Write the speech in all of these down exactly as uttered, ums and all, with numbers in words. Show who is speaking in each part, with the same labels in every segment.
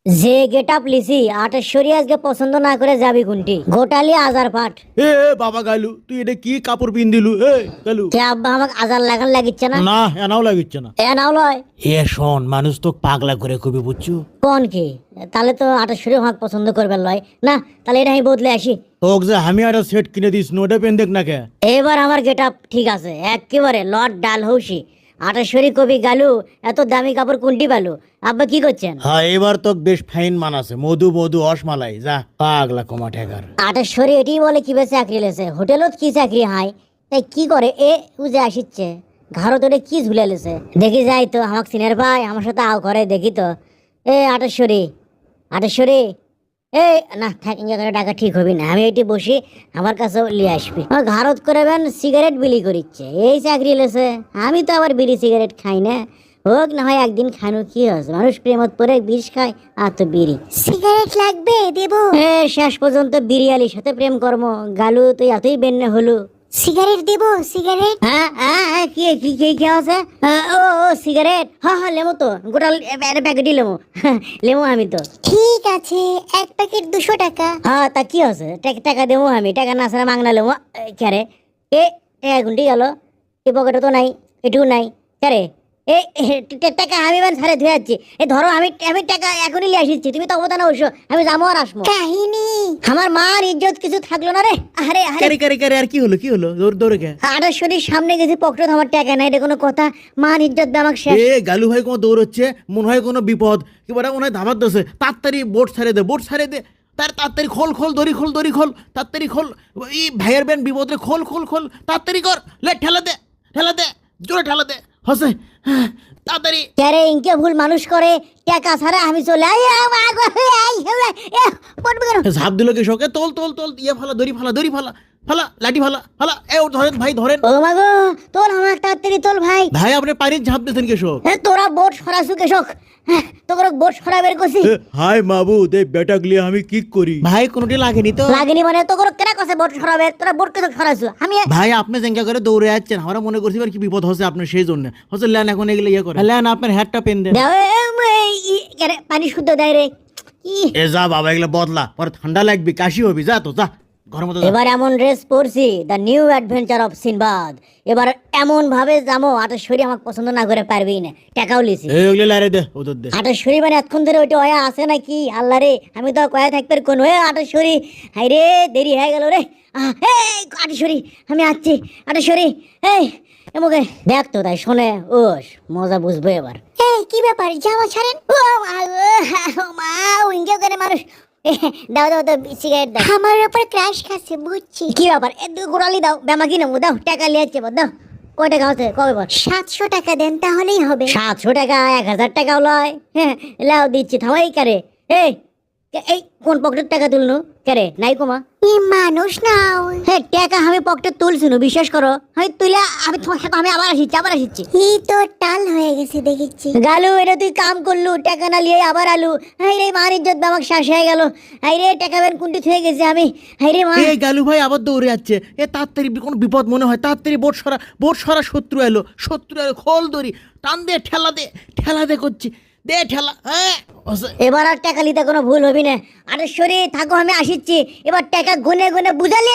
Speaker 1: যে গেটআপ লিসি আটেশ্বরী আজকে পছন্দ না করে যাবি কোনটি গোটালি আজার পাঠ।
Speaker 2: এ এ, বাবা গালু তুই এটা কি কাপড় পিন দিলু এ গালু?
Speaker 1: কে আব্বা আমাকে আজার লাগান লাগিচ্ছে না?
Speaker 2: না এনাও লাগিচ্ছে না।
Speaker 1: এ নাও লয়
Speaker 2: এ শোন মানুষ তো পাগলা করে কবি বুঝছো।
Speaker 1: কোন কি? তাহলে তো আটেশ্বরী আমাকে পছন্দ করবে লয় না, তাহলে এটা আমি বদলে আসি।
Speaker 2: তোকে যে আমি একটা সেট কিনে দিস নোটা পেন দেখ না কে।
Speaker 1: এবার আমার গেটআপ ঠিক আছে একেবারে লর্ড ডাল হৌসি। আটেশ্বরী কবি গালু এত দামি কাপড় কোনটি পালু? আব্বা কি করছেন?
Speaker 2: হ্যাঁ এবার তো বেশ ফাইন মানাছে মধু মধু অসমালাই যা পাগলা কমা ঠেকার।
Speaker 1: আটেশ্বরী এটি বলে কিভাবে চাকরি লেছে হোটেলত কি চাকরি হাই তাই কি করে এ উজে আসিচ্ছে ঘাড়ো তোরে কি ঝুলে লেছে দেখি যাই তো আমাকে সিনের ভাই আমার সাথে আও করে দেখি তো। এ আটেশ্বরী আটেশ্বরী এই না থাক ইঞ্জা করে টাকা ঠিক হবি না, আমি এটি বসি আমার কাছেও লিয়ে আসবি। আমার ঘাড়ত করেবেন সিগারেট বিলি করিচ্ছে এই চাকরি লেছে, আমি তো আবার বিড়ি সিগারেট খাই না। হোক না হয় একদিন খানো কি হয়েছে, মানুষ প্রেমত পরে বিষ খায় আর তো বিড়ি
Speaker 3: সিগারেট লাগবে দেবো?
Speaker 1: এ শেষ পর্যন্ত বিরিয়ালির সাথে প্রেম কর্ম গালু তুই এতই বেন্নে হলু।
Speaker 3: সিগারেট দেবো? সিগারেট
Speaker 1: হ্যাঁ হ্যাঁ হ্যাঁ, কি কি কি কি আছে? আহ, ও ও সিগারেট, হ্যাঁ হ্যাঁ লেমো তো গোটা প্যাকেটই লেমো লেমো আমি তো।
Speaker 3: ঠিক আছে, এক প্যাকেট দুশো টাকা।
Speaker 1: হ্যাঁ তা কি আছে, টাকা টাকা দেবো আমি, টাকা না ছাড়া মাংনা লেমো। ক্যারে এ টাকা গুনটি গেল, এ পকেটে তো নাই, এটুকু নাই। ক্যারে এই টাকা আমি মানে ছাড়ে ধুয়ে যাচ্ছি। এই ধরো আমি আমি টাকা এখনই লিয়ে আসিচ্ছি, তুমি তো অবদান অবশ্য আমি যাবো আর আসবো।
Speaker 3: কাহিনী
Speaker 1: আমার মার ইজ্জত কিছু থাকলো না রে। আরে আরে
Speaker 2: কারে কারে কারে আর কি হলো কি হলো দৌড় দৌড়ে কে?
Speaker 1: আটাশ্বরীর সামনে গেছি পকেটে আমার টাকা নাই, এটা কোনো কথা? মার ইজ্জত দিয়ে আমাকে শেষ।
Speaker 2: এ গালু ভাই কোনো দৌড়চ্ছে মনে হয় কোনো বিপদ কি বলে মনে হয় ধামার দোষে তাড়াতাড়ি বোট ছাড়ে দে বোট ছাড়ে দে তার তাড়াতাড়ি খোল খোল দড়ি খোল দড়ি খোল তাড়াতাড়ি খোল। এই ভাইয়ের বেন বিপদ রে খোল খোল খোল তাড়াতাড়ি কর লে ঠেলা দে ঠেলা দে জোরে ঠেলা দে হসে তাড়াতাড়ি।
Speaker 1: ক্যারে ইনকে ভুল মানুষ করে টাকা ছাড়া আমি চলে I a, a, go, A, I, এ, এ, পড়বে কেন?
Speaker 2: ঝাঁপ দিল কি শোকে তোল তোল তোল ইয়ে ফালা দড়ি ফালা দড়ি ফালা ফালা লাঠি ফালা ফালা এ ও ধরেন ভাই ধরেন।
Speaker 1: ও মা গো তোর আমার তাড়াতাড়ি তোল ভাই।
Speaker 2: ভাই আপনি পানির ঝাঁপ দিয়েছেন কেশব।
Speaker 1: এ, তোরা বোট সরাসু কেশক, হ্যাঁ, তোকে বোট সরা বের করছি।
Speaker 2: হাই মাবুদ এই বেটা গলি আমি কি করি ভাই কোনোটি লাগেনি তো।
Speaker 1: লাগেনি মানে তোকে কেনা কছে বোট সরাবে, তোরা বোট কেসক সরাসু আমি।
Speaker 2: ভাই আপনি জেঙ্গা করে দৌড়ে যাচ্ছেন আমরা মনে করছি এবার কি বিপদ হচ্ছে আপনার সেই জন্য হচ্ছে লেন এখন এগুলো ইয়ে করে লেন আপনার হ্যাটটা পেন দেন।
Speaker 1: দাও, এ, এ, ই, ক্যারে পানি শুদ্ধ দেয় রে। ই,
Speaker 2: এ যা বাবা এগুলো বদলা পরে ঠান্ডা লাগবে কাশি হবি যা তো যা ঘরের মতো যা।
Speaker 1: এবার এমন ড্রেস পরছি the new adventure of Sinbad. এবার এমন ভাবে যাবো আটেশ্বরী আমাকে পছন্দ না করে পারবেই না, টাকাও লিছি।
Speaker 2: এই ওগুলো লারে দে ওদের দে।
Speaker 1: আটেশ্বরী মানে এতক্ষণ ধরে ওইটা অয়া আছে নাকি আল্লাহ রে, আমি তো কয়া থাকবে কোন হয়ে আটেশ্বরী। হাই রে দেরি হয়ে গেল রে। আহ, এই আটেশ্বরী আমি আসছি আটেশ্বরী। এই এমকে দেখ তো তাই শোনে ওস মজা বুঝবো এবার।
Speaker 3: এই কি ব্যাপার, জামা ছাড়েন।
Speaker 1: ও মা গো, ও মা উইঙ্গে করে মানুষ। এ, দাও দাও দাও সিগারেট দাও।
Speaker 3: আমার উপর ক্রাশ খাচ্ছে বুঝছি।
Speaker 1: কি ব্যাপার এ দু গোড়ালি দাও ব্যামা কি নেবো, দাও টাকা লিয়াচ্ছে দাও। কয় টাকা হচ্ছে কবে বল?
Speaker 3: সাতশো টাকা দেন তাহলেই হবে।
Speaker 1: সাতশো টাকা এক হাজার টাকাও লয়। হ্যাঁ লাও দিচ্ছি থামাই কারে। এই কে- এই কোন পকেটের টাকা তুলনু কারে নাই কমা?
Speaker 3: এই মানুষ নাও।
Speaker 1: হ্যাঁ টাকা আমি পকেটে তুলছিনু বিশ্বাস করো, আমি তুলে আমি তোমার সাথে আমি আবার আসিচ্ছি আবার আসিচ্ছি।
Speaker 3: এই তো টাল হয়ে গেছে দেখেছি।
Speaker 1: গালু এটা তুই কাম করলু টাকা না লিয়ে আবার আলু। হাই রে মার ইজ্জত আমাকে শ্বাস হয়ে গেল। হাই রে টাকা বের কুন্টি থয়ে গেছে আমি। হাই রে মা
Speaker 2: এই গালু ভাই আবার দৌড়ে যাচ্ছে এ তাড়াতাড়ি কোনো বিপদ মনে হয় তাড়াতাড়ি বোট সরা বোট সরা শত্রু এলো শত্রু এলো খোল দড়ি টান দে ঠেলা দে ঠেলা দে করছি দে ঠেলা হ্যাঁ হসে।
Speaker 1: এবার আর টাকা লিতে কোনো ভুল হবি না। আরে শরী থাকো আমি আসিচ্ছি, এবার টাকা গুনে গুনে বুঝালি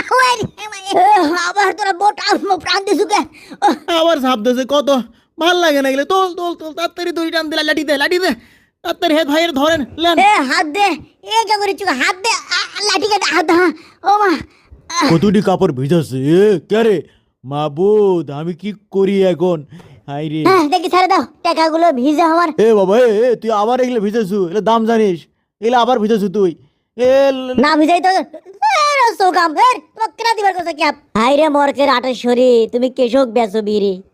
Speaker 1: আবার তোরা বোট প্রাণ দিছুকে।
Speaker 2: আবার ঝাঁপ দিয়েছে কত ভাল লাগে না গেলে তোল তোল তোল তাড়াতাড়ি দড়ি টান দিলা লাঠি দে লাঠি দে তাড়াতাড়ি হে ভাইয়ের ধরেন লেন।
Speaker 1: এ হাত দে, এ কে করেছু হাত দে, আ, লাঠি কাটে হাত দে, হ্যাঁ। ও মা
Speaker 2: কতটি কাপড় ভিজাছে এ কে মাবুদ আমি কি করি এখন হাই রে।
Speaker 1: হ্যাঁ দেখি ছেড়ে দাও টাকাগুলো ভিজে আমার।
Speaker 2: এ বাবা এ এ, তুই আবার এগুলো ভিজেছু এগুলো দাম জানিস এগুলো আবার ভিজেছু তুই এ ল-
Speaker 1: না ভিজাই তো সোকাম তোমাকে কেনা দিবার কথা কি? হাই রে মরকের আটেশ্বরী তুমি কেশক বেচো বিড়ি।